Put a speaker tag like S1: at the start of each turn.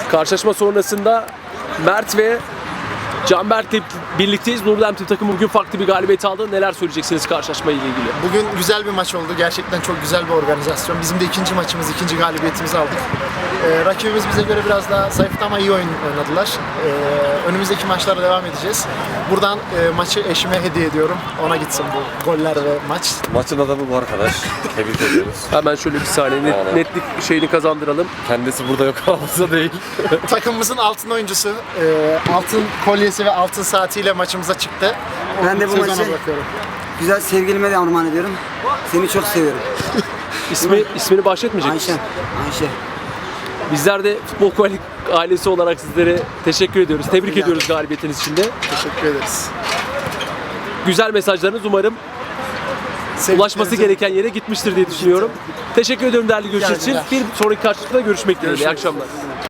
S1: Karşılaşma sonrasında Mert ve Canberk'le birlikteyiz. Nurlem takımı bugün farklı bir galibiyet aldı. Neler söyleyeceksiniz karşılaşma ile ilgili?
S2: Bugün güzel bir maç oldu. Gerçekten çok güzel bir organizasyon. Bizim de ikinci maçımız, ikinci galibiyetimizi aldık. Rakibimiz bize göre biraz daha zayıftı ama iyi oynadılar. Önümüzdeki maçlara devam edeceğiz. Buradan maçı eşime hediye ediyorum. Ona gitsin bu goller ve maç.
S3: Maçın adamı bu arkadaş. Tebrik ediyoruz.
S1: Hemen şöyle bir saniye netlik şeyini kazandıralım.
S3: Kendisi burada yok, hafıza değil.
S2: Takımımızın altın oyuncusu, altın kolyesi ve altın saatiyle maçımıza çıktı.
S4: Ben de bu
S2: Sezona
S4: maçı
S2: bırakıyorum.
S4: güzel sevgilime de armağan ediyorum. Seni çok seviyorum.
S1: İsmini bahsetmeyecek misin?
S4: Ayşe.
S1: Bizler de Futbol Kualik ailesi olarak sizlere teşekkür ediyoruz. Tebrik ediyoruz galibiyetiniz için de.
S2: Teşekkür ederiz.
S1: Güzel mesajlarınız umarım ulaşması gereken yere gitmiştir diye düşünüyorum. Teşekkür ediyorum değerli görüşleriniz için. Bir sonraki karşılaşmada görüşmek dileğiyle. İyi akşamlar.